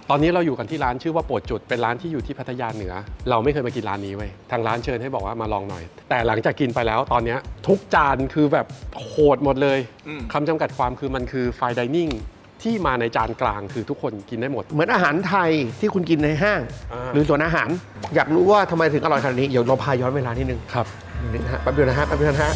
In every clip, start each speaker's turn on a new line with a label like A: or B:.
A: ตอนนี้เราอยู่กันที่ร้านชื่อว่าโปรดจุดเป็นร้านที่อยู่ที่พัทยาเหนือเราไม่เคยมากินร้านนี้เว้ยทางร้านเชิญให้บอกว่ามาลองหน่อยแต่หลังจากกินไปแล้วตอนนี้ทุกจานคือแบบโหดหมดเลยคำจำกัดความคือมันคือไฟน์ไดนิ่งที่มาในจานกลางคือทุกคนกินได้หมด
B: เหมือนอาหารไทยที่คุณกินในห้างหรือสวนอาหารอยากรู้ว่าทำไมถึงอร่อยขนาดนี้เดี๋ยวเราพาย้อนเวลานิดนึง
A: ครับ
B: นิดนะฮะแป๊บเดียวนะฮะแป๊บเดียวนะฮะ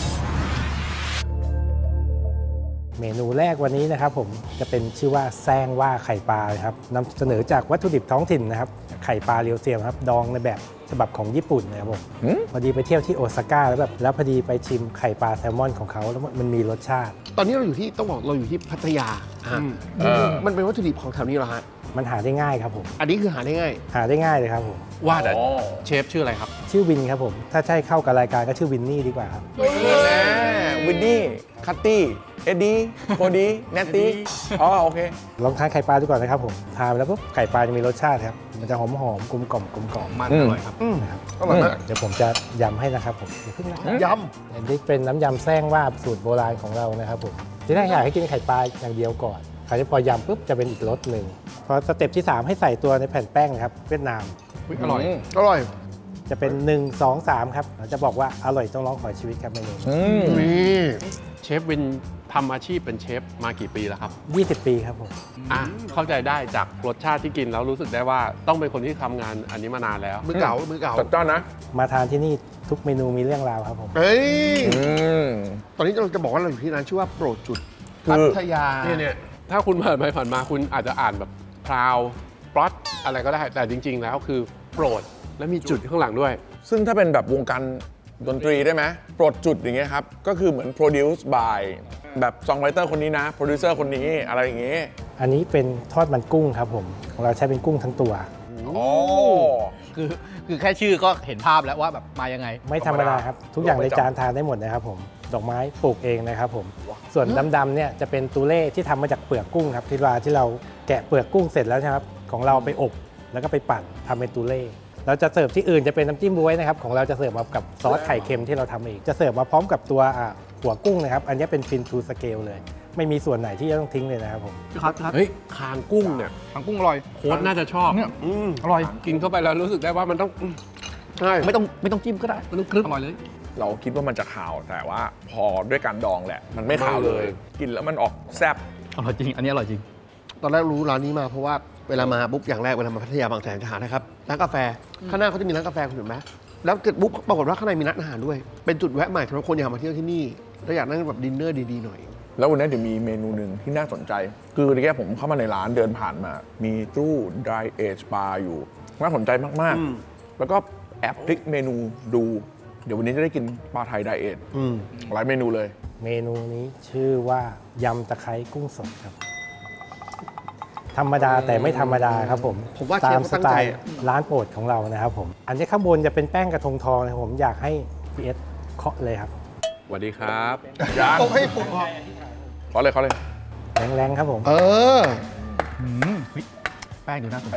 C: เมนูแรกวันนี้นะครับผมจะเป็นชื่อว่าแซงว่าไข่ปลาครับนำเสนอจากวัตถุดิบท้องถิ่นนะครับไข่ปลาเรียวเซียมครับดองในแบบฉบับของญี่ปุ่นนะครับผมพอดีไปเที่ยวที่โอซาก้าแล้วพอดีไปชิมไข่ปลาแซลมอนของเขาแล้วมันมีรสชาติ
B: ตอนนี้เราอยู่ที่ต้องบอกเราอยู่ที่พัทยามันเป็นวัตถุดิบของแถวนี้เหรอฮะ
C: มันหาได้ง่ายครับผม
B: อันนี้คือหาได้ง่าย
C: เลยครับผม
A: ว่าแต่เชฟชื่ออะไรครับ
C: ชื่อวินครับผมถ้าใช่เข้ากับรายการก็ชื่อวินนี่ดีกว่าครับ
D: วินนี่คัตตี้เอ็ดดี้โคดี้เนตตี้อ๋อโอเค
C: ลองทานไข่ปลาดูก่อนนะครับผมทานไปแล้วปุ๊บไข่ปลาจะมีรสชาติครับมันจะหอมกลมกล่อม
A: มันอร่อยครับ
C: นะครับอร่อยมากเดี๋ยวผมจะยำให้นะครับผมอย่าเพิ่งนะครับ
B: ย
C: ำอันนี้เป็นน้ำยำแซงว่าสูตรโบราณของเรานะครับผมที่แรกอยากให้กินไข่ปลาอย่างเดียวก่อนคราวนี้พอยำปุ๊บจะเป็นอีกรสหนึ่งพอสเต็ปที่3ให้ใส่ตัวในแผ่นแป้งครับเวียดนาม
A: อร่อย
C: จะเป็น1 2 3ครับเราจะบอกว่าอร่อยต้องร้องขอชีวิตครับเมนู
B: นี่
A: เชฟวินทำอาชีพเป็นเชฟมากี่ปีแล้วครับ
C: 20 ปีครับผม
A: เข้าใจได้จากรสชาติที่กินแล้วรู้สึกได้ว่าต้องเป็นคนที่ทำงานอันนี้มานานแล้ว
B: มือเก่า
D: จัดจ้านนะ
C: มาทานที่นี่ทุกเมนูมีเรื่องราวครับผม
B: เฮ้ยตอนนี้เราจะบอกว่าเราอยู่ที่ร้านชื่อว่าโปรดจุดพัทยา
A: เนี่ยถ้าคุณผ่านไปผ่านมาคุณอาจจะอ่านแบบพราวปลอตอะไรก็ได้แต่จริงๆแล้วคือโปรดและมีจุดข้างหลังด้วย
D: ซึ่งถ้าเป็นแบบวงการดนตรีได้ไหมโปรดจุดอย่างเงี้ยครับก็คือเหมือน produce by แบบซองไรเตอร์คนนี้นะโปรดิวเซอร์คนนี้อะไรอย่างเงี้ย
C: อันนี้เป็นทอดมันกุ้งครับผมของเราใช้เป็นกุ้งทั้งตัว
E: คือแค่ชื่อก็เห็นภาพแล้วว่าแบบมายังไง
C: ไม่ธรรมดาครับทุกอย่างในจานทานได้หมดนะครับผมดอกไม้ปลูกเองนะครับผมส่วนดำๆเนี่ยจะเป็นตูเล่ที่ทำมาจากเปลือกกุ้งครับที่เราแกะเปลือกกุ้งเสร็จแล้วนะครับของเราไปอบแล้วก็ไปปั่นทำเป็นตูเล่เราจะเสิร์ฟที่อื่นจะเป็นน้ำจิ้มบ๊วยนะครับของเราจะเสิร์ฟมากับซอสไข่เค็มที่เราทำเองจะเสิร์ฟมาพร้อมกับตัวหัวกุ้งนะครับอันนี้เป็นฟินทูสเกลเลยไม่มีส่วนไหนที่จะต้องทิ้งเลยนะครับผม
E: ครับ
A: เฮ้ยคางกุ้งเนี่ย
E: คางกุ้งอร่อย
A: โค้ดน่าจะชอบ
E: เนี่ยอร่อย
A: กินเข้าไปแล้วรู้สึกได้ว่ามันต้อง
E: ใช่ไม่ต้องจิ้มก็ได้
A: มันต้องครึบ
E: อร่อยเลย
D: เราคิดว่ามันจะขาวแต่ว่าพอด้วยการดองแหละมันไม่ขาวเลยกินแล้วมันออกแซ่บ
E: อร่อยจริงอันนี้อร่อยจริง
B: ตอนแรกรู้ร้านนี้มาเพราะว่าเวลามาปุ๊บอย่างแรกเวลามาพัทยาบางแสนจะหานะครับร้านกาแฟข้างหน้าเขาจะมีร้านกาแฟคุณเห็นไหมแล้วเกิดปุ๊บปรากฏว่าข้างในมีร้านอาหารด้วยเป็นจุดแวะใหม่สำหรับคนอยากมาเที่ยวที่นี่แล้วอยากนั่งแบบดินเนอร์ดีๆหน่อย
D: แล้ววันนี้เดี๋ยวมีเมนูหนึ่งที่น่าสนใจคือเมื่อกี้ผมเข้ามาในร้านเดินผ่านมามีตู้ dry age bar อยู่น่าสนใจมากๆแล้วก็แอบพลิกเมนูดูเดี๋ยววันนี้จะได้กินปลาไทย dry age หลายเมนูเลย
C: เมนูนี้ชื่อว่ายำตะไคร้กุ้งสดครับธรรมดาแต่ไม่ธรรมดาครับผม
B: ว่า
C: ตามสไตล์ร้านโปรดของเรานะครับผมอันนี้ข้างบนจะเป็นแป้งกระทงทองนะครับผมอยากให้พีเอสเคาะเลยครับ
A: สวัสดีครับ
B: โอ้ให้ผม
D: ขอเลย
C: แรงๆครับผม
E: แป้งดูน่าสนใจ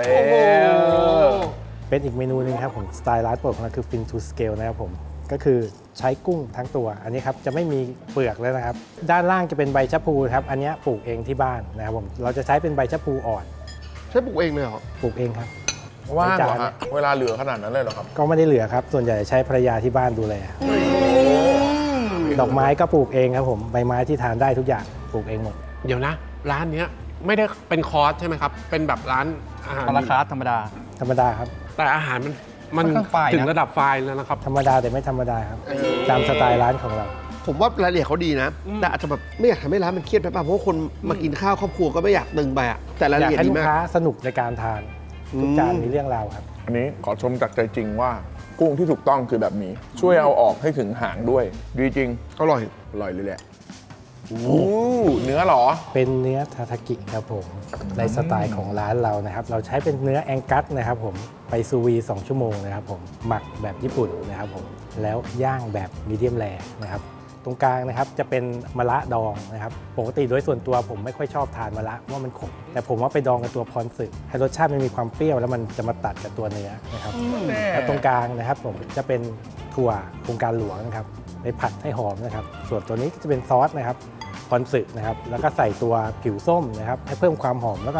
C: เป็นอีกเมนูนึงครับผมสไตล์ร้านโปรดของเราคือ Fin to Scale นะครับผมก็คือใช้กุ้งทั้งตัวอันนี้ครับจะไม่มีเปลือกเลยนะครับด้านล่างจะเป็นใบชะพูครับอันนี้ปลูกเองที่บ้านนะครับผมเราจะใช้เป็นใบชะพูอ่อน
B: ใช้ปลูกเองเลยเหรอ
C: ปลูกเองครับ
D: ว่างเหรอฮะเวลาเหลือขนาดนั้นเลยเหรอครับ
C: ก็ไม่ได้เหลือครับส่วนใหญ่ใช้ภรรยาที่บ้านดูแลดอกไม้ก็ปลูกเองครับผมใบไม้ที่ทานได้ทุกอย่างปลูกเองหมด
A: เดี๋ยวนะร้านนี้ไม่ได้เป็นคอร์สใช่ไหมครับเป็นแบบร้านอาหาร
E: ราคาธรรมดา
C: ครับ
A: แต่อาหารมันถึงระดับไฟแล้วนะครับ
C: ธรรมดาแต่ไม่ธรรมดาครับตามสไตล์ร้านของเรา
B: ผมว่ารายละเอียดเขาดีนะแต่อาจจะแบบไม่อยากทำให้ร้านมันเครียดไปป่ะเพราะว่าคนมากินข้าวครอบครัวก็ไม่อยากตึงไปอะแต่รายละเอียดดีมาก
C: อยากให้ลูกค้าสนุกในการทานทุกจานมีเรื่องราวครับ
D: อันนี้ขอชมจากใจจริงว่ากุ้งที่ถูกต้องคือแบบนี้ช่วยเอาออกให้ถึงหางด้วยดีจริง
B: อร่อย
D: เลยแหละเนื้อหรอ
C: เป็นเนื้อทาทากิครับผมในสไตล์ของร้านเรานะครับเราใช้เป็นเนื้อแองกัสนะครับผมไปซูวี2 ชั่วโมงนะครับผมหมักแบบญี่ปุ่นนะครับผมแล้วย่างแบบมีเดียมแรร์นะครับตรงกลางนะครับจะเป็นมะระดองนะครับปกติโดยส่วนตัวผมไม่ค่อยชอบทานมะระว่ามันขมแต่ผมว่าไปดองกับตัวพรสึกให้รสชาติมันมีความเปรี้ยวแล้วมันจะมาตัดกับตัวเนื้อนะครับแล้วตรงกลางนะครับผมจะเป็นถั่วโครงการหลวงนะครับไปผัดให้หอมนะครับส่วนตัวนี้จะเป็นซอสนะครับพรสึกนะครับแล้วก็ใส่ตัวผิวส้มนะครับให้เพิ่มความหอมแล้วก็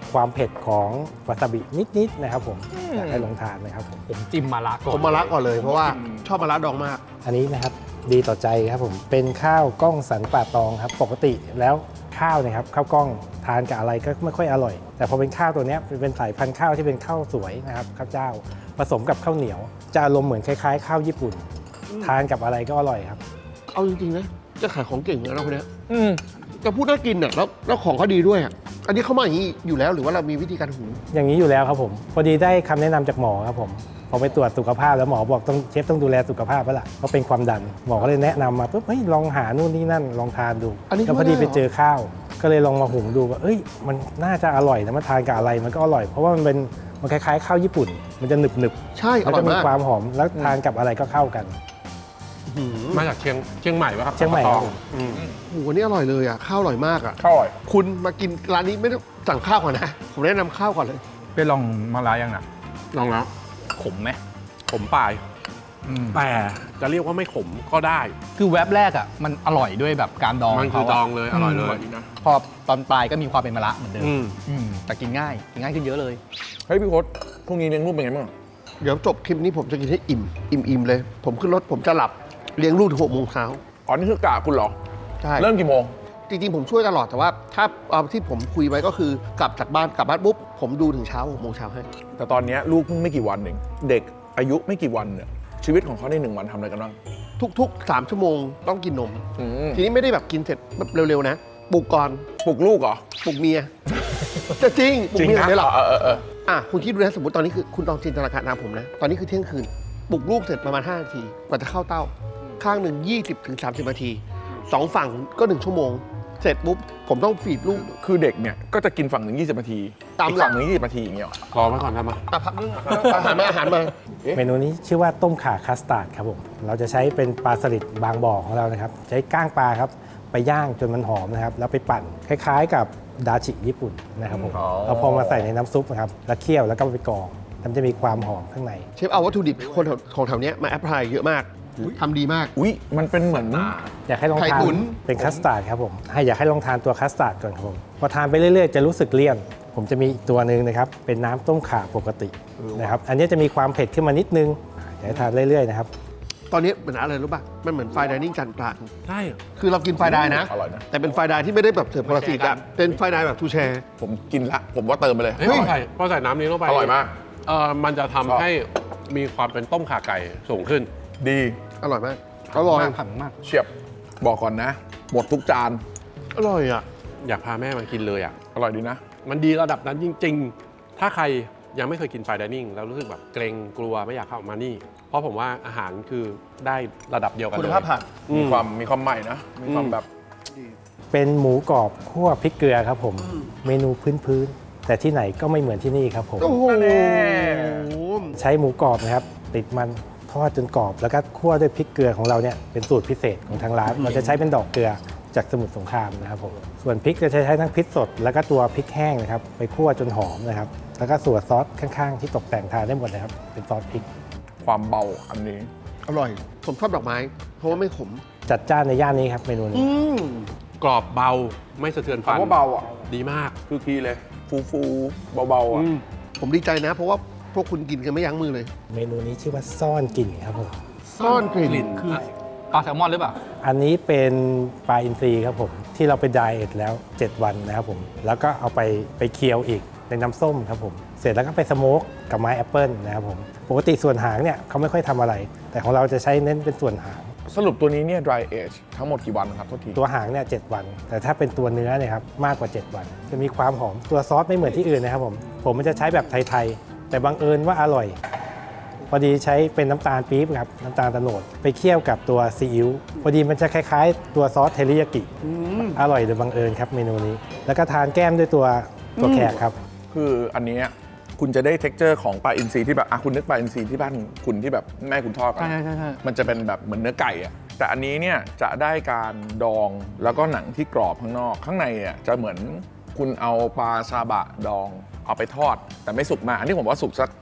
C: ความเผ็ดของวาซาบินิดๆนะครับผมอยากให้ลองทานนะครับผม
E: ผมจิ้มมาละก่อน
B: ผมมาละก่อนเลยเพราะว่าชอบมาละดองมาก
C: อันนี้นะครับดีต่อใจครับผมเป็นข้าวกล้องสันป่าตองครับปกติแล้วข้าวนะครับข้าวกล้องทานกับอะไรก็ไม่ค่อยอร่อย แต่พอเป็นข้าวตัวเนี้ยเป็นสายพันธุ์ข้าวที่เป็นข้าวสวยนะครับข้าวเจ้าผสมกับข้าวเหนียวจะอารมณ์เหมือนคล้ายๆข้าวญี่ปุ่น ทานกับอะไรก็อร่อยครับ
B: เอาจริงๆนะจะขายของเก่งนะเราคนเนี้ย
D: อืม
B: จะพูดน่ากินอ่ะแล้วของเขาดีด้วยอ่ะอันนี้เขามาอย่างนี้อยู่แล้วหรือว่าเรามีวิธีการหุง
C: อย่างนี้อยู่แล้วครับผมพอดีได้คำแนะนำจากหมอครับผมพอไปตรวจสุขภาพแล้วหมอบอกเชฟต้องดูแลสุขภาพแล้วล่ะเพราะเป็นความดันหมอก็เลยแนะนำมาปุ๊บเฮ้ยลองหานู่นนี่นั่นลองทานดู
B: อันนี้
C: แล้วพอดีไปเจอข้าว ก็เลยลองมาหุงดูว่าเอ้ยมันน่าจะอร่อยนะมาทานกับอะไรมันก็อร่อย เพราะว่ามันคล้ายๆข้าวญี่ปุ่น มันจะหนึบ
B: ใช่
C: ๆ
B: อ
C: แล้ว
B: ร่อ
C: ก็
B: ย
C: มี
B: มาก
C: ความหอมแล้วทานกับอะไรก็เข้ากัน
B: หืม
A: มาจากเชียงใหม่ปะครับ
C: เชียงใหม่ครับ
A: อืม
B: โอ้โหอันนี้อร่อยเลยอ่ะข้าวอร่อยมากอ่ะ
D: ข้าวอร่อย
B: คุณมากินร้านนี้ไม่ต้องสั่งข้าวก่อนนะผมแนะนำข้าวก่อนเลย
E: ไปลองมาละยังน่ะ
A: ลองแล้ว
E: ขมไหม
A: ขมปลาย
E: อืม
A: แต่จะเรียกว่าไม่ขมก็ได้
E: คือแว็บแรกอ่ะมันอร่อยด้วยแบบการดอง
A: มันคือ
E: ขาะ
A: ดองเลยอร่อยเลย
E: พอตอนปลายก็มีความเป็นมะระเหมือนเดิม
A: อืม
E: แต่กินง่ายขึ้นเยอะเลย
D: เฮ้ยพี่โค้ดพรุ่งนี้เลี้ยงลูกเป็นไงบ้าง
B: เดี๋ยวจบคลิปนี้ผมจะกินให้อิ่มเลย ผมขึ้นรถผมจะหลับเลี้ยงลูกถึง6 โมงเช้า
D: อ๋อนี่คือกะคุณเหรอ
B: ใช่
D: เริ่มกี่โมง
B: จริงๆผมช่วยตลอดแต่ว่าถ้าเอาที่ผมคุยไว้ก็คือกลับบ้านปุ๊บผมดูถึงเช้า6 โมงเช้าให้
D: แต่ตอนเนี้ยลูกเพิ่งไม่กี่วันเองเด็กอายุไม่กี่วันเนี่ยชีวิตของเขาใน1 วันทำอะไรกันบ้าง
B: ทุกๆ 3 ชั่วโมงต้องกินนม
D: อืม
B: ทีนี้ไม่ได้แบบกินเสร็จแบบเร็วๆนะปลุกก่อน
D: ปลุกลูกเหรอ
B: ปลุกเมีย จะจริงปลุกเมียไม่หรอก
D: เออ
B: อ่ะคุณคิดดูนะสมมติตอนนี้คือคุณลองจินตนาการตามผมนะ ตอนนี้คือเที่ยงคืนปลุกลูกเสร็จประมาณ5 นาทีกว่าจะเข้าเต้า ข้างหนึ่ง20 ถึง 30 นาที2 ฝั่งก็ 1 ชั่วโมง เสร็จปุ๊บผมต้องฟีดลูก
D: คือเด็กเนี่ยก็จะกินฝั่งหนึ่ง20 นาที
B: ตาม
D: อีก
B: หลัก
D: ฝั่งหนึ่ง20 นาทีอย่างเงี้ยเหรอ
A: รอไว้ก่อนทำมา
B: อ่ะพักนึงอาหารมา
C: เมนูนี้ชื่อว่าต้มข่าคัสตาร์ดครับผมเราจะใช้เป็นปลาสลิดบางบ่อของเรานะครับใช้ก้างปลาครับไปย่างจนมันหอมนะครับแล้วไปปั่นคล้ายๆกับดาชิญี่ปุ่นนะครับผมเราพอมาใส่ในน้ำซุปนะครับแล้วเคี่ยวแล้วก็ไปกรองมันจะมีความหอมข้างใน
B: เชฟเอาวัตถุดิบคนของแถวเนี้ยมาแอพพลายเยอะมากทำดีมาก
D: อุ๊ยมันเป็นเหมือน
C: อยากให้ลอง
B: ไข่
C: ทาน
B: ตุ๋น
C: เป็นคัสตาร์ดครับผมอยากให้ลองทานตัวคัสตาร์ดก่อนครับผมพอทานไปเรื่อยๆจะรู้สึกเลี่ยน ผมจะมีอีกตัวหนึ่งนะครับเป็นน้ำต้มข่าปกตินะครับอันนี้จะมีความเผ็ดขึ้นมานิดนึงอยากให้ทานเรื่อยๆนะครับ
B: ตอนนี้เหมือนอะไรรู้ป่ะมันเหมือนไฟน์ไดนิ่งจานกลาง
A: ใช่
B: คือเรากินไฟน์ไดน์นะ
D: อร่อยนะ
B: แต่เป็นไฟน์ไดน์ที่ไม่ได้แบบเสิร์ฟคนละสีกันเป็นไฟน์ไดน์แบบทูแชร์
D: ผมกินละผมว่าเติมไปเลย
A: เฮ้ยพอใส่น้ำนี้ลงไป
D: อร่อยมาก
A: มันจะ
D: ชอบ
A: ทำให้มีความเป็นต้มข่าไก่สูงขึ้น
D: ดี
B: อร่อยมากอร่อย
E: มากผันมาก
D: เฉียบบอกก่อนนะ หมดทุกจาน
B: อร่อยอ่ะ
A: อยากพาแม่มากินเลยอ่ะ
D: อร่อยดีนะ
A: มันดีระดับนั้นจริง ๆ ถ้าใครยังไม่เคยกินไฟน์ไดนิ่งแล้วรู้สึกแบบเกรงกลัวไม่อยากเข้ามานี่ เพราะผมว่าอาหารคือได้ระดับเดียวกัน
B: คุ
A: เล
B: ณ
A: ย
B: ภาพผ่าน
D: มีความใหม่นะ มีความแบบ
C: เป็นหมูกรอบคั่วพริกเกลือครับผมเมนูพื้นๆแต่ที่ไหนก็ไม่เหมือนที่นี่ครับผม
B: โอ้โห
C: ใช้หมูกรอบนะครับติดมันทอดจนกรอบ แล้วก็คั่วด้วยพริกเกลือของเราเนี่ยเป็นสูตรพิเศษของทางร้านเราจะใช้เป็นดอกเกลือจากสมุทรสงครามนะครับผมส่วนพริกจะใช้ทั้งพริกสด แล้วก็ตัวพริกแห้งนะครับไปคั่วจนหอมนะครับแล้วก็ส่วนซอสข้างๆ ที่ตกแต่งทานได้หมดนะครับเป็นซอสพริก
D: ความเบาอันนี้
B: อร่อย ผมชอบดอกไม้ เพราะว่าไม่ขม
C: จัดจ้านในย่านนี้ครับเมนูนี้
A: กรอบเบาไม่สะเทือนฟัน
D: คำว่าเบาอ่ะ
A: ดีมาก
D: คือคีย์เลย ฟูเบาๆอ่ะ
B: ผมดีใจนะ เพราะว่าพวกคุณกินกันไม่ยั้งมือเลย
C: เมนูนี้ชื่อว่าซ่อนกลิ่นครับผม
B: ซ่อนกลิ่น
E: คือปลาแซลมอนหรือเปล่า
C: อันนี้เป็นปลาอินทรีครับผมที่เราไปไดเอทแล้ว 7 วันนะครับผมแล้วก็เอาไปเคี่ยวอีกในน้ำส้มครับผมเสร็จแล้วก็ไปสโมกกับไม้แอปเปิลนะครับผมปกติส่วนหางเนี่ยเขาไม่ค่อยทำอะไร แต่ของเราจะใช้เน้นเป็นส่วนหาง
D: สรุปตัวนี้เนี่ย dry age ทั้งหมดกี่วันครับโทษที
C: ตัวหางเนี่ย7 วัน แต่ถ้าเป็นตัวเนื้อเนี่ยครับมากกว่า 7 วัน จะมีความหอมตัวซอสไม่เหมือนที่อื่นนะครับผมมันจะใช้แบบไทยๆแต่บังเอิญว่าอร่อย พอดีใช้เป็นน้ำตาลปี๊บครับน้ำตาลโตนดไปเคี่ยวกับตัวซีอิ๊วพอดีมันจะคล้ายๆ ตัวซอสเทริยากิอร่อยโดยบังเอิญครับเมนูนี้ แล้วก็ทานแก้มด้วยตัวแขกครับ
D: คืออันเนี้ยคุณจะได้ texture ของปลาอินทรีที่แบบคุณนึกปลาอินทรีที่บ้านคุณที่แบบแม่คุณทอดกัน
E: ใช่
D: มันจะเป็นแบบเหมือนเนื้อไก่อะแต่อันนี้เนี่ยจะได้การดองแล้วก็หนังที่กรอบข้างนอก ข้างในเนี่ยจะเหมือนคุณเอาปลาซาบะดองเอาไปทอด แต่ไม่สุกมากอันนี้ผมว่าสุกสัก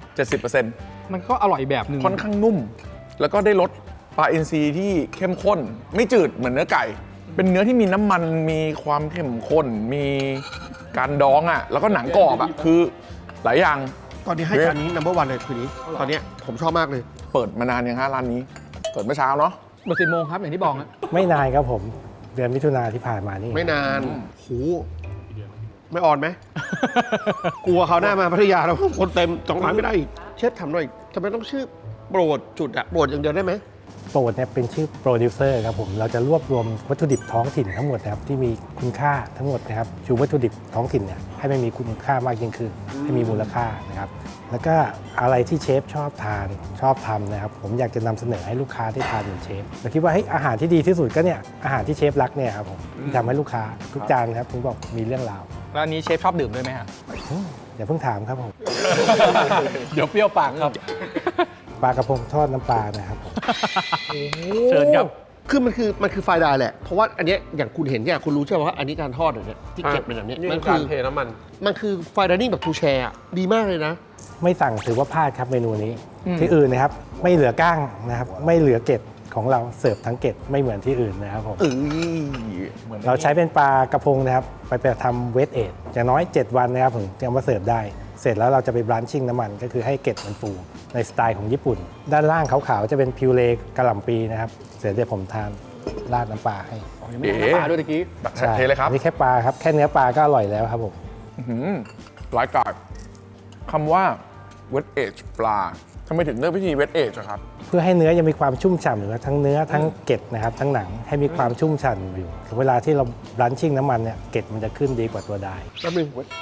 D: 70%
E: มันก็อร่อยแบบหนึ่ง
D: ค่อนข้างนุ่ม แล้วก็ได้รสปลาอินทรีที่เข้มข้น ไม่จืดเหมือนเนื้อไก่ เป็นเนื้อที่มีน้ำมันมีความเข้มข้นมีการดองอ่ะแล้วก็หนังกรอบอ่ะคือหลายอย่าง
B: ตอนนี้ให้จานนี้ number one เลยคืนนี้ ตอนเนี้ยผมชอบมากเลย
D: เปิดมานานยังฮะร้านนี้เปิดเมื่อเช้าเนาะ
E: เปิด10 โมงครับอย่างที่บอกนะ
C: ไม่นานครับผม เดือนมิถุนาที่ผ่านมานี่
B: ไม่นานโหไม่อ่อนไหม กลัวเขาวหน้ามาพัทยาแล้วคนเต็มสองร้านไม่ได้อีกเชฟทำหน่อยทำไมต้องชื่อโปรดจุดอะโปรดอย่างเดียวได้ไหม
C: โปรดเนี่ยเป็นชื่อโปรดิวเซอร์ครับผม เราจะรวบรวมวัตถุดิบท้องถิ่นทั้งหมดนะครับที่มีคุณค่าทั้งหมดนะครับชูวัตถุดิบท้องถิ่นเนี่ยให้มันมีคุณค่ามากยิ่งขึ้นให้มีมูลค่านะครับแล้วก็อะไรที่เชฟชอบทานชอบทำนะครับผมอยากจะนำเสนอให้ลูกค้าได้ทานเหมือนเชฟเราคิดว่าเฮ้ยอาหารที่ดีที่สุดก็เนี่ยอาหารที่เชฟรักเนี่ยครับผมที่ทำให้ลูกค้าทุกจานครับผมบอกมีเรื่องราว
E: แล้วอันนี้เชฟชอบดื่มด้วยไหมฮะ
C: อย่าเพิ่งถามครับผม
E: เดี๋ยวเปรี้ยวปากครับ
C: ปลากระพงทอดน้ำปลานะครับ
E: เชิญครับ
B: คือมันคือไฟล์ไดน์แหละ เพราะว่าอันเนี้ยอย่างคุณเห็นเนี่ยคุณรู้ใช่ไหมว่าอันนี้การทอดอย่างเนี้ยที่เก็บเป็นแบบเนี้ย
A: นี่
B: มั
A: คื
B: น
A: อ
B: คื
A: การ
B: อ
A: เทน้ำมัน
B: มันคือไฟล์ไดนิ่งแบบทูแชร์ดีมากเลยนะ
C: ไม่สั่งถือว่าพลาดครับเมนูนี้ ที่อื่นนะครับไม่เหลือก้างนะครับไม่เหลือเกล็ดของเราเสิร์ฟทั้งเกล็ดไม่เหมือนที่อื่นนะครับผม
D: เหมือน
C: เราใช้เป็นปลากระพงนะครับไปทำเวทเอทอย่างน้อย 7 วันนะครับผมจะเอามาเสิร์ฟได้ เสร็จแล้วเราจะไปบลันชิ่งน้ำมันก็คือให้เกล็ดมันฟูในสไตล์ของญี่ปุ่น ด้านล่างขาวๆจะเป็นพิวเรกะหล่ำปีนะครับเสร็จเดี๋ยวผมทานราดน้ำปลาให้
E: ยังไม่ได้น้ำปลาด้วยตะกี้
D: เทเลยครับ
C: อันนี่แค่ปลาครับแค่เนื้อปลาก็อร่อยแล้วครับผม
D: ร้ายกาจคำว่า wet age ปลาทำไมถึงเลือกวิธี wet age อะครับ
C: เพื่อให้เนื้อยังมีความชุ่มฉ่ำอยู่ทั้งเนื้อทั้งเกล็ดนะครับทั้งหนังให้มีความชุ่มฉ่ำอยู่เวลาที่เราบลันชิ่งน้ำมันเนี่ยเกล็ดมันจะขึ้นดีกว่าตัวได้
B: แป๊บนึง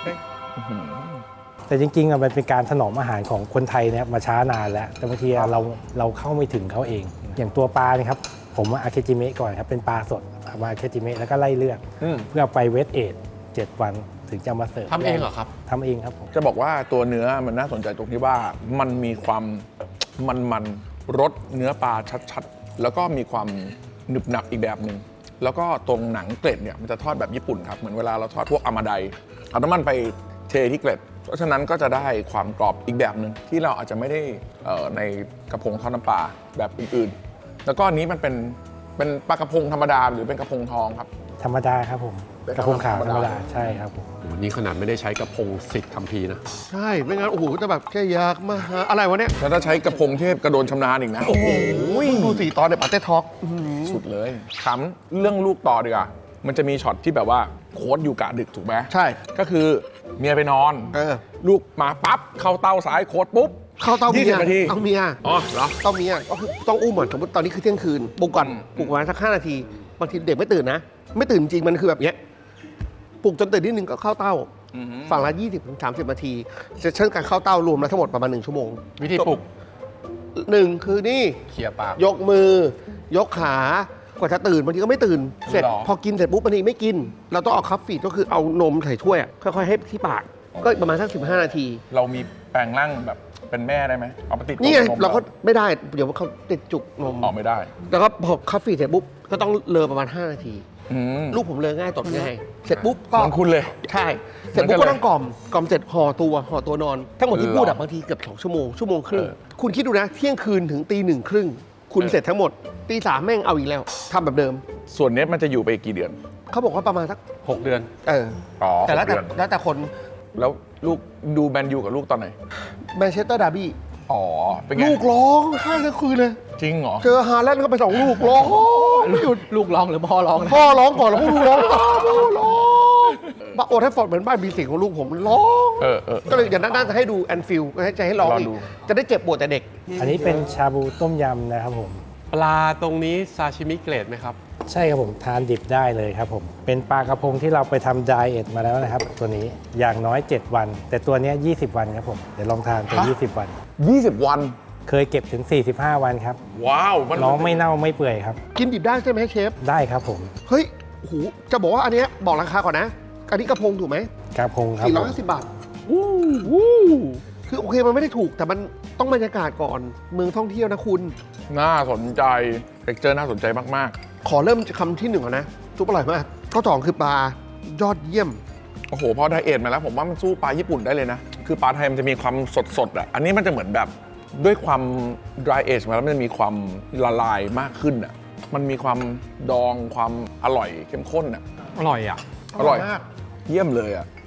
C: แต่จริงๆอะมันเป็นการถนอมอาหารของคนไทยเนี่ยมาช้านานแล้ว แต่บางทีอะเราเข้าไม่ถึงเขาเอง อย่างตัวปลาเนี่ยครับผมอาเคจิเมะก่อนครับเป็นปลาสดเอามาอาเคจิเมะแล้วก็ไล่เลือดเพื่อไปเวทเอท7 วันถึงจะมาเสิร์ฟ
A: ทำเองเหรอครับ
C: ทำเองครับผม
D: จะบอกว่าตัวเนื้อมันน่าสนใจตรงที่ว่ามันมีความมันรสเนื้อปลาชัดๆ แล้วก็มีความหนึบหนับอีกแบบหนึ่งแล้วก็ตรงหนังเกล็ดเนี่ยมันจะทอดแบบญี่ปุ่นครับเหมือนเวลาเราทอดพวกอามาไดเอาน้ำมันไปเทที่เกล็ด เพราะฉะนั้นก็จะได้ความกรอบอีกแบบหนึ่งที่เราอาจจะไม่ได้ในกระพงทอดน้ำปลาแบบอื่นๆ แล้วก็อันนี้มันเป็นปลากระพงธรรมดาหรือเป็นกระพงทองครับ
C: ธรรมดาครับผม
D: เป็น
C: กระพงขาว
D: ธรรมดา
C: ธรรมดาใช่ครับผม
A: โอ้โหนี่ขนาดไม่ได้ใช้กระพงสิทธิ์คัมภีร์นะ
B: ใช่ ไม่งั้น โอ้โหก็จะแบบแค่อยากมาหาอะไรวะเนี่ย
D: แล้วถ้าใช้กระพงเทพกระโดนชำนาญอีกนะ
B: โอ้โหดูสี่ตอนในปาเต้ท็อก
D: สุดเลยถามเรื่องลูกต่อดีกว่ามันจะมีช็อตที่แบบว่าโค้ดอยู่กะดึกถูกไหม
B: ใช่
D: ก็คือเมียไปนอน ลูกมาปั๊บเข้าเต้าซ้ายโค้ดปุ๊บ
B: เข้าเต้าเมีย
D: 20 นาที
B: เอาเมีย
D: อ๋อเหรอ
B: เต้าเมียก็คือต้องอุ้มเหมือนสมมติตอนนี้คือเที่ยงคืนปลุกก่อนปลุกประมาณสัก5 นาที บางทีเด็กไม่ตื่นนะ ไม่ตื่นจริงมันคือแบบเนี้ยปลุกจนตื่นนิดนึงก็เข้าเต้า ฝั่งละ20-30 นาทีเซสชั่นการเข้าเต้ารวมแล้วทั้งหมดประมาณ1 ชั่วโมง
A: วิธีปลุก
B: 1 คือนี่
A: เคลียร์ปาก
B: ยกมือยกขากว่าจะตื่นบางทีก็ไม่ตื่น เสร็จ
D: หรอ
B: พอกินเสร็จปุ๊บบางทีไม่กิน เราต้องเอาคัพฟีดก็คือเอานมใส่ถ้วยอะค่อยๆให้ที่ปาก ก็ประมาณสัก15 นาที
D: เรามีแปลงร่างแบบเป็นแม่ได้ไหมเอาไปติด
B: นี่ไง
D: นม
B: เราก็ไม่ได้เดี๋ยวเขาติดจุกนม
D: ออกไม่ได้
B: แล้วก็พอคัพฟีดเสร็จปุ๊บก็ต้องเลอประมาณ5 นาที
D: อืม
B: ลูกผมเลอง่ายตดง่ายเสร็จปุ๊บก็
D: เหมือนคุณเลย
B: ใช่ เสร็จปุ๊บ
D: เหมือนกันเลย
B: ก็ต้องกล่อมเสร็จห่อตัวนอน ทั้งหมดที่
D: เหรอ
B: พูดอะบางทีเกือบ2 ชั่วโมงครึ่ง
D: เออ
B: คุณคิดดูนะเที่ยงคืนถึงตี 1 ครึ่ง คุณเสร็จทั้งหมดตี 3แม่งเอาอีกแล้วทำแบบเดิม
D: ส่วนเนี้ยมันจะอยู่ไปอีกกี่เดือน
B: เขาบอกว่าประมาณสัก
A: 6 เดือน
D: อ๋อ
B: แต่แล้ว
D: 6เดือน
B: แต่คน
D: แล้วลูกดูแมนยูกับลูกตอนไหน
B: แมนเชสเตอร์ดาร์บี้
D: อ๋อ เป็นไง
B: ลูกร้องไห้ทั้งคืนเลย
D: จริงเหรอ
B: เจอฮาแลนด์ก็ไป2 ลูกร้องไม่หยุด
E: ลูกร้องหรือพ่อร้องนะ
B: พ่อร้องก่อนแล้วพ่อดูร้องพ่อร้องบ้าโอทัฟฟอร์ดเหมือนบ้านมีเสียงของลูกผมร้อง
D: เออ
B: ก็เลยอย่างนั้นน่าจะให้ดูแอนฟิลก็ให้ใจให้ร้องอีก
D: รอดู
B: จะได้เจ็บปวดแต่เด็ก
C: อันนี้เป็นชาบูต้มยำนะครับผม
A: ปลาตรงนี้ซาชิมิเกรดไหมครับ
C: ใช่ครับผมทานดิบได้เลยครับผมเป็นปลากระพงที่เราไปทำไดเอทมาแล้วนะครับตัวนี้อย่างน้อย 7 วัน แต่ตัวเนี้ย20 วันครับผมเดี๋ยวลองทานตัว20 วัน
D: 20 วัน
C: เคยเก็บถึง 45 วันครับ
D: ว้าว มัน
C: น้องไม่เน่าไม่เปื่อยครับ
B: กินดิบได้ใช่ไหมเชฟ
C: ได้ครับผม
B: เฮ้ยโอ้โหจะบอกว่าอันเนี้ยบอกราคาก่อนนะ อันนี้กระพงถูกไหม
C: กระพงครับผม
B: 450 บาทคือโอเคมันไม่ได้ถูกแต่มันต้องบรรยากาศก่อนเมืองท่องเที่ยวนะคุณ
D: น่าสนใจเท็กเจอร์น่าสนใจมาก
B: ขอเริ่มคำที่ 1ก่อนนะซุปอร่อยมากข้อ2คือปลายอดเยี่ยม
D: ๆ โอ้โห พอไดเอทมาแล้วผมว่ามันสู้ปลาญี่ปุ่นได้เลยนะ คือปลาไทยมันจะมีความสดๆอ่ะ อันนี้มันจะเหมือนแบบด้วยความ dry age มาแล้วมันจะมีความละลายมากขึ้นอ่ะ มันมีความดองความอร่อยเข้มข้นอ่ะ
E: อร่อยอ่ะ
D: อร่อย
B: มาก
D: เยี่ยมเลยอ่ะ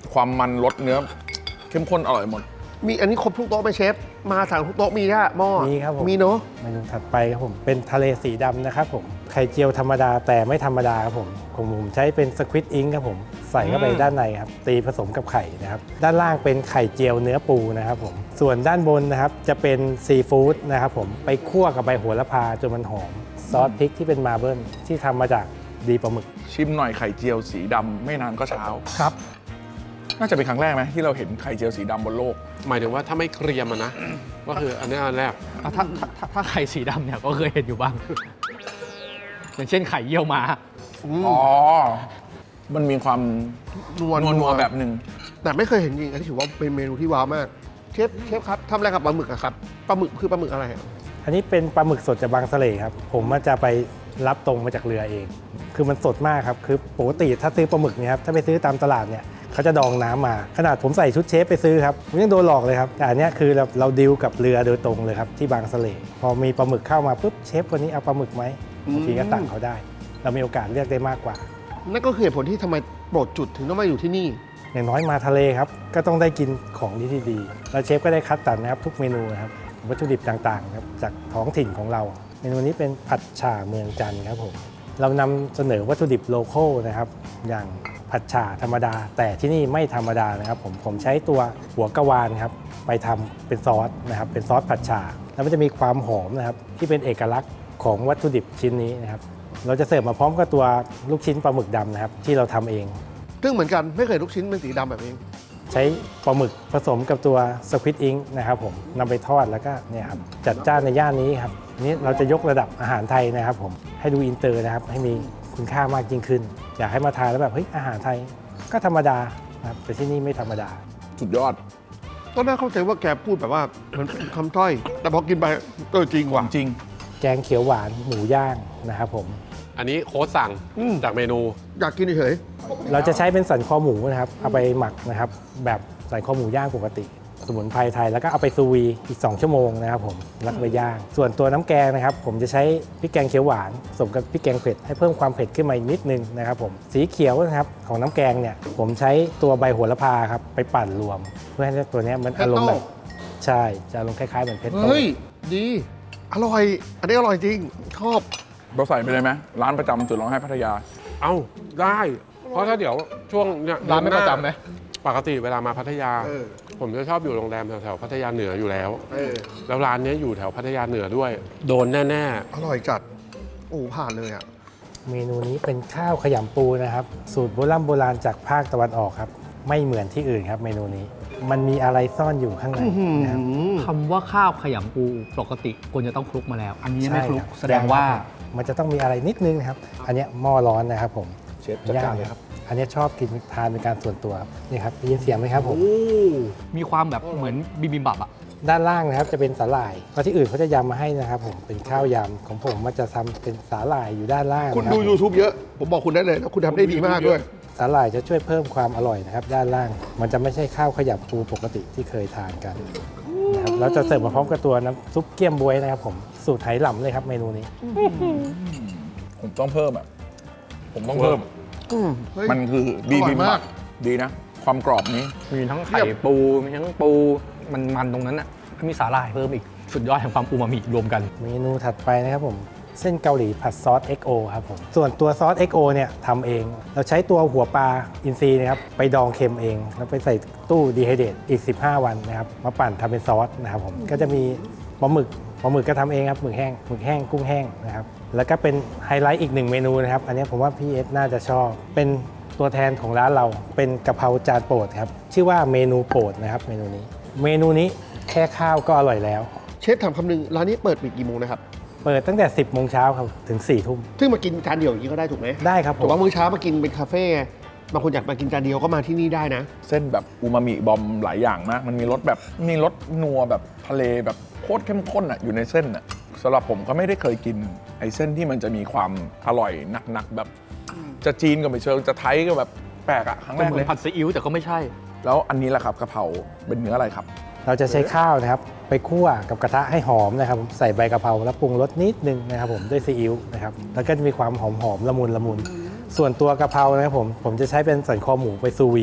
D: ความมันรสเนื้อเข้มข้นอร่อยหมด
B: มีอันนี้ครบทุกโต๊ะไหมเชฟ มาสั่งทุกโต๊ะมีแค่หม้อ
C: มีครับผม
B: มีเนาะ
C: เมนูถัดไปครับผมเป็นทะเลสีดำนะครับผมไข่เจียวธรรมดาแต่ไม่ธรรมดาครับผมของผมใช้เป็นสควิตอิงครับผมใส่เข้าไปด้านในครับตีผสมกับไข่นะครับด้านล่างเป็นไข่เจียวเนื้อปูนะครับผมส่วนด้านบนนะครับจะเป็นซีฟู้ดนะครับผมไปคั่วกับใบโหระพาจนมันหอมซอสพริกที่เป็นมาเบิลที่ทำมาจากดีปลาหมึก
D: ชิมหน่อยไข่เจียวสีดำไม่นานก็เช้า
E: ครับ
D: น่าจะเป็นครั้งแรกไหมที่เราเห็นไข่เจียวสีดำบนโลก
A: หมายถึงว่าถ้าไม่เครียมอะนะ ก็คืออันนี้อันแรก
E: ถ้าไข่สีดำเนี่ยก็เคยเห็นอยู่บ้าง อย่างเช่นไข่เยี่ยวม้า
D: อ๋อ มันมีความ
B: นัว
D: นัวๆแบบหนึ่ง
B: แต่ไม่เคยเห็นจริงอันนี้ถือว่าเป็นเมนูที่ว้าวมาก เชฟครับทำอะไรกับปลาหมึกอะครับปลาหมึกคือปลาหมึกอะไรอะ
C: อันนี้เป็นปลาหมึกสดจากบางสะเลครับผมมันจะไปรับตรงมาจากเรือเอง คือมันสดมากครับคือปกติถ้าซื้อปลาหมึกเนี่ยครับถ้าไปซื้อตามตลาดเนี่ยเขาจะดองน้ำมาขนาดผมใส่ชุดเชฟไปซื้อครับผมยังโดนหลอกเลยครับแต่อันเนี้ยคือเราดีลกับเรือโดยตรงเลยครับที่บางสะเลพอมีปลาหมึกเข้ามาปุ๊บเชฟคนนี้เอาปลาหมึกไหมบางทีก็สั่งเขาได้ เรามีโอกาสเลือกได้มากกว่า
B: นั่นก็คือเหตุผลที่ทำไมโปรดจุดถึงต้องมาอยู่ที่นี่
C: อย่างน้อยมาทะเลครับก็ต้องได้กินของที่ดีแล้วเชฟก็ได้คัดสรรนะครับทุกเมนูนะครับวัตถุดิบต่างๆครับจากท้องถิ่นของเรา เมนูนี้เป็นผัดฉ่าเมืองจันทร์ครับผมเรานำเสนอวัตถุดิบโลคอลนะครับอย่างผัดฉ่าธรรมดา แต่ที่นี่ไม่ธรรมดานะครับผมใช้ตัวหัวกะวานครับไปทำเป็นซอสนะครับเป็นซอสผัดฉ่าแล้วมันจะมีความหอมนะครับที่เป็นเอกลักษณ์ของวัตถุดิบชิ้นนี้นะครับเราจะเสิร์ฟมาพร้อมกับตัวลูกชิ้นปลาหมึกดำนะครับที่เราทำเอง
B: ซึ่งเหมือนกันไม่เคยลูกชิ้นเป็นสีดำแบบนี้
C: ใช้ปลาหมึกผสมกับตัวสควิตอิงนะครับผมนำไปทอดแล้วก็เนี่ยครับจัดจ้านในย่านนี้ครับนี้เราจะยกระดับอาหารไทยนะครับผมให้ดูอินเตอร์นะครับให้มีคุณค่ามากยิ่งขึ้น อยากให้มาทานแล้วแบบเฮ้ยอาหารไทยก็ธรรมดานะครับแต่ที่นี่ไม่ธรรมดา
D: สุดยอด
B: ก็น่าเข้าใจว่าแกพูดแบบว่าเหมือนคำต้อย แต่พอกินไปจริงว่ะ
D: จริง
C: แกงเขียวหวานหมูย่างนะครับผม
A: อันนี้โค้ชสั่ง
B: อืม
A: จากเมนู
B: อยากกินเฉย
C: เราจะใช้เป็นสันคอหมูนะครับเอาไปหมักนะครับแบบสันคอหมูย่างปกติ สมุนไพรไทยแล้วก็เอาไปซูวีอีก2ชั่วโมงนะครับผมแล้วก็ไปย่างส่วนตัวน้ำแกงนะครับผมจะใช้พริกแกงเขียวหวานผสมกับพริกแกงเผ็ดให้เพิ่มความเผ็ดขึ้นมาอีกนิดนึงนะครับผมสีเขียวนะครับของน้ำแกงเนี่ยผมใช้ตัวใบโหระพาครับไปปั่นรวม เพื่อให้ตัวเนี้ยมันอารมณ์แบบใช่จะอารมณ์คล้ายๆเหมือนเพชร
B: ๆ
C: โต
B: เฮ้ย ดี อร่อย อันนี้อร่อยจริง ชอบ
D: เราใส่ไปเลยไหมร้านประจำจุดร้องไห้พัทยา
A: เอ้าได้ เพราะถ้าเดี๋ยวช่วงเนี่ย
E: ร้านไม่ประจำไหม
A: ปกติเวลามาพัทยา
B: เออ
A: ผมจะชอบอยู่โรงแรมแถวๆพัทยาเหนืออยู่แล้ว
B: เออ
A: แล้วร้านเนี้ยอยู่แถวพัทยาเหนือด้วย โดนแน่
B: อร่อยจัด โอ้ผ่านเลยอ่ะ
C: เมนูนี้เป็นข้าวขยำปูนะครับสูตรโบราณจากภาคตะวันออกครับไม่เหมือนที่อื่นครับเมนูนี้ มันมีอะไรซ่อนอยู่ข้างในนะครับ
E: คำว่าข้าวขยำปูปกติควรจะต้องคลุกมาแล้ว อันนี้ยังไม่คลุก
C: ใช่รับ
E: แสดงว่า
C: มันจะต้องมีอะไรนิดนึงนะครับ อันเนี้ยหม้อร้อนนะครับผม
D: เชฟจัดการเลยครับ
C: อันเนี้ยชอบกินทานเป็นการส่วนตัวครับนี่ครับได้ยินเสียงไหมครับผม
E: มีความแบบเหมือนบิบิมบับอะ
C: ด้านล่างนะครับจะเป็นสาหร่ายเพราะที่อื่นเขาจะยำมาให้นะครับผมเป็นข้าวยำของผมมันจะทำเป็นสาหร่ายอยู่ด้านล่าง
B: คุณ
C: นะรับ
B: ดู YouTube เยอะ ผมบอกคุณได้เลยแล้วคุณทำได้ดีมากด้วย
C: สาหร่ายจะช่วยเพิ่มความอร่อยนะครับ ด้านล่าง มันจะไม่ใช่ข้าวขยำปูปกติที่เคยทานกันนะครับเราจะเสิร์ฟมาพร้อมกับตัวน้ำซุปเกี๊ยมบ๊วยนะครับผมสูตรไหหลำเลยครับเมนูนี้
D: ผมต้องเพิ่มอ่ะ ผมต้องเพิ่ม
B: เฮ้ย
D: มันคือบี
B: อร่
D: บิ
B: อย
D: ม
B: มา
D: บั
B: ก
D: บดีนะ ความกรอบนี้
E: มีทั้งไข่ปู มีทั้งปู มันตรงนั้นอะแล้วมีสาหร่ายเพิ่มอีก สุดยอดแห่งความอูมามิรวมกัน
C: เมนูถัดไปนะครับผมเส้นเกาหลีผัดซอส XO ครับผมส่วนตัวซอส XO เนี่ยทำเอง เราใช้ตัวหัวปลาอินทรีนะครับไปดองเค็มเอง แล้วไปใส่ตู้ดีไฮเดตอีก 15 วันนะครับมาปั่นทำเป็นซอสนะครับผมก็จะมีปลาหมึกก็ทำเองครับหมึกแห้งกุ้งแห้งนะครับแล้วก็เป็นไฮไลท์อีกหนึ่งเมนูนะครับอันนี้ผมว่าพี่เอสน่าจะชอบเป็นตัวแทนของร้านเราเป็นกะเพราจานโปรดครับชื่อว่าเมนูโปรดนะครับเมนูนี้แค่ข้าวก็อร่อยแล้ว
B: เชฟถามคำนึงร้านนี้เปิดปิดกี่โมงนะครับ
C: เปิดตั้งแต่ 10 โมงเช้าครับถึง 4 ทุ่ม
B: ซึ่งมากินจานเดียวอย่างนี้ก็ได้ถูกไหม
C: ได้ครับผ
B: ถูก
C: ม
B: ว่ามื้อเช้ามากินเป็นคาเฟ่ไงบางคนอยากมากินจานเดียวก็มาที่นี่ได้นะ
D: เส้นแบบอูมามิบอมหลายอย่างมาก มันมีรสแบบมีรสนัวแบบทะเลแบบโคตรเข้มข้นอ่ะอยู่ในเส้นอ่ะสำหรับผมก็ไม่ได้เคยกินไอ้เส้นที่มันจะมีความอร่อยหนักๆแบบ จะจีนก็ไม่เชิงจะไทยก็แบบแปลกอ่ะครั้ง
E: ก็
D: แรก
E: เหมื
D: เล
E: อย นผัดซีอิ๊วแต่ก็ไม่ใช่
D: แล้วอันนี้แหละครับกะเพราเป็นเนื้ออะไรครับ
C: เราจะใช้ข้าวนะครับไปคั่วกับกระทะให้หอมนะครับผมใส่ใบกะเพราแล้วปรุงรสนิดนึงนะครับผมด้วยซีอิ๊วนะครับแล้วก็จะมีความหอมละมุนส่วนตัวกะเพรานะครับผมจะใช้เป็นสันคอหมูไปซูวี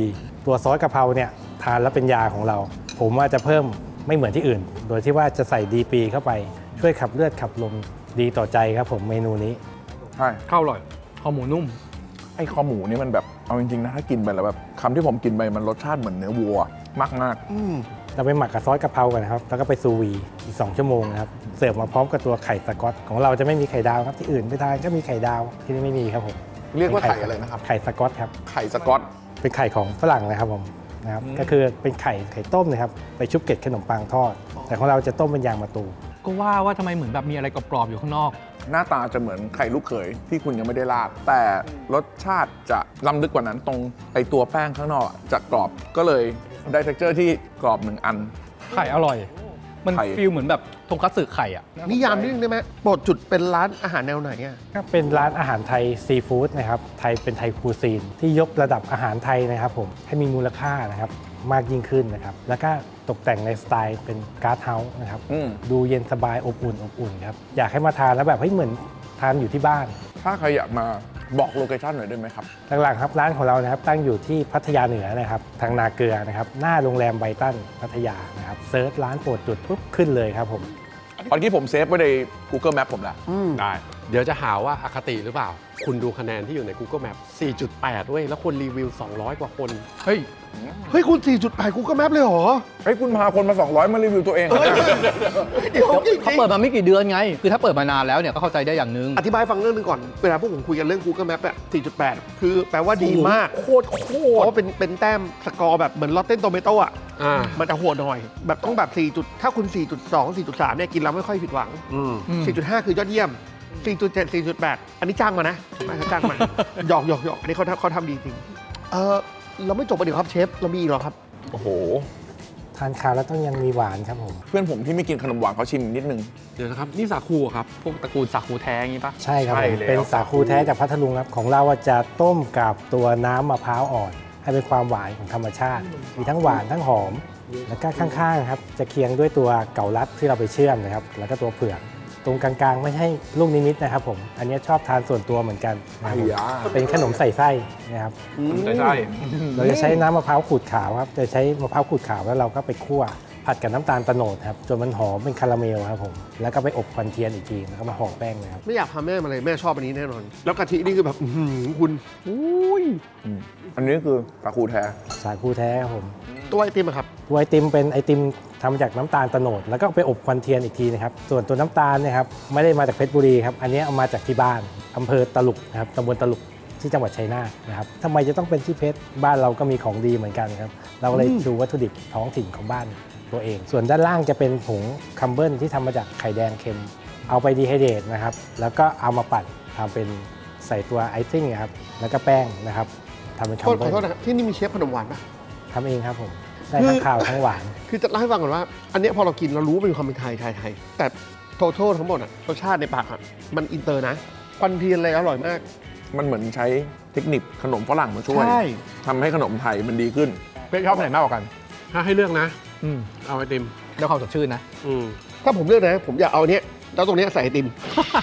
C: ตัวซอสกะเพราเนี่ยทานแล้วเป็นยาของเรา ผมว่าจะเพิ่มไม่เหมือนที่อื่น โดยที่ว่าจะใส่ดีปีเข้าไปช่วยขับเลือดขับลมดีต่อใจครับผมเมนูนี้
D: ใช่
E: ข้าวอร่อยข้าวหมูนุ่ม
D: ไอ้คอหมูนี่มันแบบเอาจริงๆนะถ้ากินไปแล้วแบบคำที่ผมกินไปมันรสชาติเหมือนเนื้อวัวมาก
C: เราไปหมักกับซอสกะเพรากันนะครับแล้วก็ไปซูวีอีก2 ชั่วโมงนะครับเสิร์ฟมาพร้อมกับตัวไข่สก๊อตของเราจะไม่มีไข่ดาวครับที่อื่นไปทานก็มีไข่ดาวที่นี่ไม่มีครับผม
D: ๆ เรียกว่าไข่อะไรนะครับ
C: ไข่สก๊อตครับ
D: ไข่สก๊อต
C: เป็นไข่ของฝรั่งนะครับผมนะครับก็คือเป็นไข่ต้มนะครับไปชุบเกล็ดขนมปังทอด แต่ของเราจะต้มเป็นยางมะตูม
E: ก็ว่าทำไมเหมือนแบบมีอะไรกรอบๆอยู่ข้างนอก
D: หน้าตาจะเหมือนไข่ลูกเขยที่คุณยังไม่ได้ราดแต่รสชาติจะล้ำลึกกว่านั้นตรงไอตัวแป้งข้างนอกจะกรอบก็เลยได้ texture ที่กรอบ1 อัน
E: ไข่อร่อย มัน
D: ไข่
E: ฟีลเหมือนแบบทงคัตสึไข่อ่ะ
B: นิยามนิดนึงได้ไหมโปรดจุดเป็นร้านอาหารแนวไหนอ่ะ
C: ก็เป็นร้านอาหารไทยซีฟู้ดนะครับไทยเป็นไทยคูซีนที่ยกระดับอาหารไทยนะครับผมให้มีมูลค่านะครับมากยิ่งขึ้นนะครับแล้วก็ตกแต่งในสไตล์เป็นการ์ดเฮาส์นะครับ
D: อืม
C: ดูเย็นสบายอบอุ่นครับอยากให้มาทานแล้วแบบเฮ้ยเหมือนทานอยู่ที่บ้าน
D: ถ้าใครอยากมาบอกโลเคชั่นหน่อยได้ไหมครับ
C: หลักๆครับร้านของเรานะครับตั้งอยู่ที่พัทยาเหนือนะครับทางนาเกลือนะครับหน้าโรงแรมไบตันพัทยานะครับเซิร์ชร้านโปรดจุดปุ๊บขึ้นเลยครับผม
D: ตอนที่ผมเซฟไว้ใน Google Map ผมแล้ว
A: ได้ เดี๋ยวจะหาว่าอคติหรือเปล่า คุณดูคะแนนที่อยู่ใน Google Map 4.8 เว้ย แล้วคนรีวิว 200 กว่าคน
E: เฮ้ย
B: เฮ้ย คุณ 4.8 Google Map เลยเหรอ
D: เฮ้ยคุณพาคนมา 200 มารีวิวตัวเอง
B: เดี๋ยวจริง
E: เขาเปิดมาไม่กี่เดือนไง คือถ้าเปิดมานานแล้วเนี่ยก็เข้าใจได้อย่างนึง
B: อธิบายให้ฟังเรื่องนึงก่อน เวลาพวกผมคุยกันเรื่อง Google Map อะ4.8 คือแปลว่าดีมาก
D: โคตร
B: เพราะว่าเป็นแต้มสกอร์แบบเหมือนลอตเต้นโตเมโต้อะ
A: อ่า
B: มันจะโหดหน่อย แบบต้องแบบ4ถ้าคุณ 4.2 4.3 เนี่ยกินแล้วไม่ค่อยผิดหวัง
A: อืม
B: 4.5 คือยอดเยี่ยม 4.7 4.8 อันนี้จ้างมานะไม่เขาจ้างมา หยอกอันนี้เขาทำดีจริง เราไม่จบประเดี๋ยวครับเชฟ เรามีอีกเหรอครับ
D: โอ้โห
C: ทานข้าวแล้วต้องยังมีหวานครับผม
D: เพื่อนผมที่ไม่กินขนมหวานเขาชิมนิดนึง
A: เดี๋ยวนะครับ นี่สาคูเหรอครับ
E: พวกตระกูลสาคูแท้อย่างงี้ปะ
C: ใช่ครับ
D: ใช่
C: ผม
D: แล้ว
C: เป็นสาคูแท้จากพัทลุงครับของเราอะจะต้มกับตัวน้ำมะพร้าวอ่อน ให้เป็นความหวานของธรรมชาติ มีทั้งหวานทั้งหอม แล้วก็ข้างๆครับจะเคียงด้วยตัวเก่าลัดที่เราไปเชื่อมนะครับแล้วก็ตัวเผือกตรงกลางๆไม่ใช่ลูกนิมิตนะครับผมอันนี้ชอบทานส่วนตัวเหมือนกันนะครับผม
D: ไอ้ยา
C: เป็นขนมใส่ไส้นะครับ
D: ใช่
C: เราจะใช้น้ำมะพร้าวขูดขาวครับจะใช้มะพร้าวขูดขาวแล้วเราก็ไปคั่วผัดกับน้ำตาลโตโนดครับจนมันหอมเป็นคาราเมลครับผมแล้วก็ไปอบควันเทียนอีกทีแล้วก็มาห่อแป้งนะครับ
B: ไม่อยากพาแม่มาเลยแม่ชอบอันนี้แน่นอน แล้วกะทินี่คือแบบอื้อหือคุณ
D: อันนี้คือสาคูแท้
C: สาคูแท้ครับผม
B: ตัวไอติมอะครับ
C: ตัวไอติมเป็นไอติมทำมาจากน้ำตาลโตโนดแล้วก็ไปอบควันเทียนอีกทีนะครับส่วนตัวน้ำตาลเนะครับไม่ได้มาจากเพชรบุรีครับอันนี้เอามาจากที่บ้านอำเภอตลุกนะครับตำบลตลุกที่จังหวัดชัยนาทนะครับทำไมจะต้องเป็นที่เพชรบ้านเราก็มีของดีเหมือนกันครับเราเลยชูวัตถุดิบท้องถิ่นของบ้านตัวเอง ส่วนด้านล่างจะเป็นผงคัมเบิลที่ทำมาจากไข่แดงเค็ม เอาไปดีไฮเดรตนะครับแล้วก็เอามาปั่นทำเป็นใส่ตัวไอซิ่งครับแล้วก็แป้งนะครับทำเป็นคัม
B: ข
C: เบิ
B: อ
C: ล
B: โทษนะครับที่นี่มีเชฟขนมหวานปะ
C: ทำเองครับผมได้ทั้งข้าวทั้งหวาน
B: คือจะเล่าให้ฟังก่อนว่า อันเนี้ยพอเรากินเรารู้ว่าเป็นความเป็นไทยแต่โทโททั้งหมดอะรสชาติในปากอะมันอินเตอร์นะควันเทียนอะไรอร่อยมาก
D: มันเหมือนใช้เทคนิคขนมฝรั่งมาช่วย
B: ใช่
D: ทำให้ขนมไทยมันดีขึ้น
E: เป๊กชอบไหนมากกว่ากัน
A: ถ้าให้เลือกนะ
E: อืม
A: เอาไอติม
E: ได้ความสดชื่นนะ
A: อืม
B: ถ้าผมเลือกนะ ผมอยากเอาอันเนี้ยแล้วตรงเนี้ยใส่ไอติม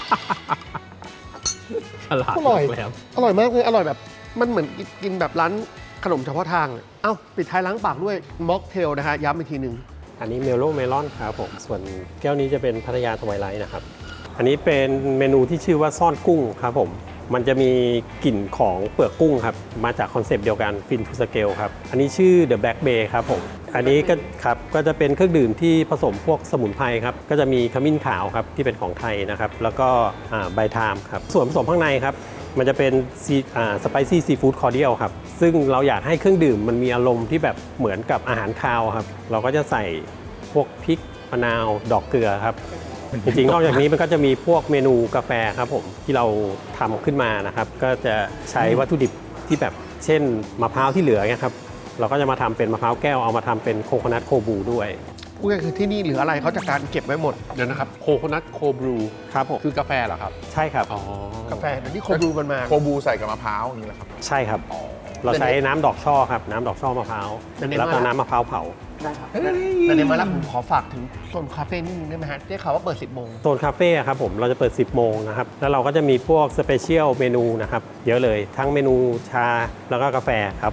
E: ฉลาด
B: อร่อย
E: แล้ว
B: อร่อยมากเลยอร่อยแบบ มันเหมือนกินแบบร้านขนมเฉพาะทางอะเอ้าปิดท้ายล้างปากด้วยม็อกเทลนะฮะย้ำอีกทีหนึ่ง
F: อันนี้เมลโลเมลอนครับผมส่วนแก้วนี้จะเป็นพัทยาทวายไลท์นะครับ อันนี้เป็นเมนูที่ชื่อว่าซ่อนกุ้งครับผมมันจะมีกลิ่นของเปลือกกุ้งครับมาจากคอนเซปต์เดียวกันฟินทูสเกลครับอันนี้ชื่อ The Black Bay ครับผมอันนี้ก็ครับก็จะเป็นเครื่องดื่มที่ผสมพวกสมุนไพรครับก็จะมีขมิ้นขาวครับที่เป็นของไทยนะครับแล้วก็ใบไทม์ครับส่วนผสมข้างในครับมันจะเป็นสไปซี่ซีฟู้ดคอร์เดียลครับซึ่งเราอยากให้เครื่องดื่มมันมีอารมณ์ที่แบบเหมือนกับอาหารคาวครับเราก็จะใส่พวกพริกมะนาวดอกเกลือครับจริงๆนอกจากนี้มันก็จะมีพวกเมนูกาแฟครับผมที่เราทำขึ้นมานะครับก็จะใช้วัตถุดิบที่แบบเช่นมะพร้าวที่เหลือเนี่ยครับเราก็จะมาทำเป็นมะพร้าวแก้วเอามาทำเป็นโคโคนัทโคบูด้วย
B: พูดง่ายๆคือที่นี่เหลืออะไรเขาจัดการเก็บไว้หมด
A: เดี๋ยวนะครับโคโคนัทโคบรู
F: ครับผม
A: คือกาแฟเหรอครับ
F: ใช่ครับ
A: อ๋อ
B: กาแฟเดี๋ยวนี้โคบรูมันมา
D: โคบูใส่กับมะพร้าวอย่างนี้แหละครับ
F: ใช่ครับ เราใช้น้ำดอกช่อครับน้ำดอกช่อมะพร้าว
B: อันนี้
F: แล้วก็
B: ว่า
F: น้ำมะพร้าวเผา
B: ได้ครับแต่ในมาแล้วผมขอฝากถึงโซนคาเฟ่นิดนึงได้ไหมฮะได้ข่าวว่าเปิด 10 โมง
F: โซนคาเฟ่ครับผมเราจะเปิด 10 โมงนะครับแล้วเราก็จะมีพวกสเปเชียลเมนูนะครับเยอะเลยทั้งเมนูชาแล้วก็กาแฟครับผม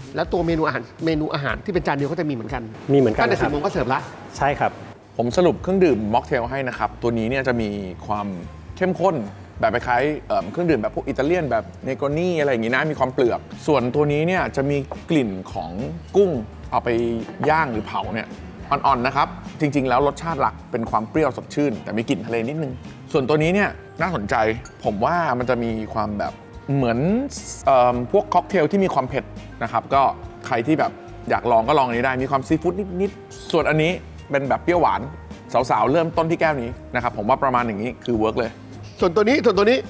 B: แล้วตัวเมนูอาหารที่เป็นจานเดียวก็จะมีเหมือนกัน
F: มีเหมือนกัน
B: ตั้งแต่
F: นะครั
B: 10
F: บ
B: โมงก็เสิร์ฟละ
F: ใช่ครับ
D: ผมสรุปเครื่องดื่มม็อกเทลให้นะครับ ตัวนี้เนี่ยจะมีความเข้มข้นแบบคล้ายๆเครื่องดื่มแบบพวกอิตาเลียนแบบเนโกนี่อะไรอย่างงี้นะมีความเปลือก ส่วนตัวนี้เนี่ยจะมีกลิ่นของกุ้งเอาไปย่างหรือเผาเนี่ยอ่อนๆนะครับ จริง ๆ แล้วรสชาติหลักเป็นความเปรี้ยวสดชื่น แต่มีกลิ่นทะเลนิดนึง ส่วนตัวนี้เนี่ยน่าสนใจผมว่ามันจะมีความแบบเหมือนพวกค็อกเทลที่มีความเผ็ดนะครับก็ใครที่แบบอยากลองก็ลองอันนี้ได้มีความซีฟู้ดนิดๆส่วนอันนี้เป็นแบบเปรี้ยวหวานสาวๆเริ่มต้นที่แก้วนี้นะครับผมว่าประมาณอย่างนี้คือเวิร์กเลย
B: ส่วนตัวนี้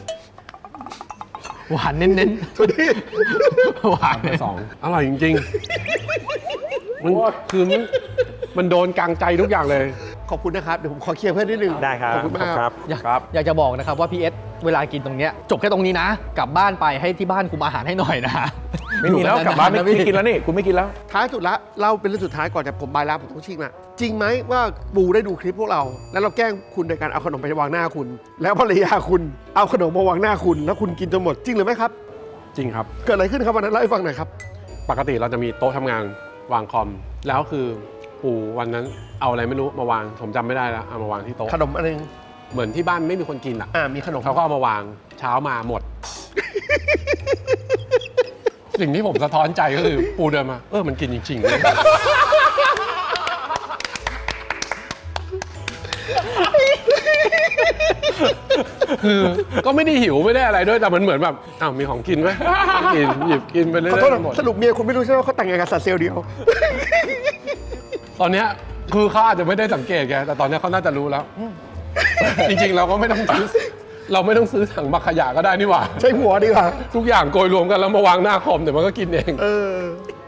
E: หวานเน้น
B: ส่วนนี้
E: ๆหวาน
A: สองอร่อยจริงๆมันคือมันโดนกลางใจทุกอย่างเลย
B: ขอบคุณนะครับ เดี๋ยวผมขอเคลียร์เพื่อนนิดนึง
F: ได้ครับ
B: ขอบคุณมาก
F: ครับ
E: อยากจะบอกนะครับว่าพี่เอสเวลากินตรงเนี้ยจบแค่ตรงนี้นะ กลับบ้านไปให้ที่บ้านคุมอาหารให้หน่อยนะ
D: ไม่มีแล้วกลับบ้านไม่กินแล้วนี่คุณไม่กินแล้ว
B: ท้ายสุดละเล่าเป็นเรื่องสุดท้ายก่อนจะผมบายลาผมต้องชิงละจริงไหมว่าปูได้ดูคลิปพวกเรา แล้วเราแกล้งคุณโดยการเอาขนมไปวางหน้าคุณ แล้วภรรยาคุณเอาขนมมาวางหน้าคุณ แล้วคุณกินจนหมดจริงหรือไม่ครับ
A: จริงครับ
B: เกิดอะไรขึ้นครับวันนั้นเล่าให้ฟังหน่อยครับ
A: ปกติเราจะมีโต๊ะทำงานวางคอม แล้วคือปู่วันนั้นเอาอะไรไม่รู้มาวาง ผมจำไม่ได้แล้วเอามาวางที่โต๊ะ
B: ขนมอะไรนึง
A: เหมือนที่บ้านไม่มีคนกินอ่ะ
B: มีขนม
A: เขาก็เอามาวางเช้ามาหมด สิ่งที่ผมสะท้อนใจก็คือปูเดินมามันกินจริงๆเลย คือก็ไม่ได้หิวไม่ได้อะไรด้วยแต่มันเหมือนแบบอ้าวมีของกินไหมกินหยิบกินไปเรื่
B: ขอโทษ
A: อย
B: นะ
A: ๆหมด
B: สรุปเมียคุณไม่รู้ใช่ไหมว่าเขาแต่งงานกับสัตว์เซลล์เดียว
A: ตอนเนี้ยคือเขาอาจจะไม่ได้สังเกตแกแต่ตอนเนี้ยเขาน่าจะรู้แล้ว จริงๆเราก็ไม่ต้องซื้อเราไม่ต้องซื้อถังบักขยะก็ได้นี่หว่า
B: ใช้หัวดีกว่า
A: ทุกอย่างโกยรวมกันแล้วมาวางหน้าคอมเดี๋ยวมันก็กินเอง
B: เออ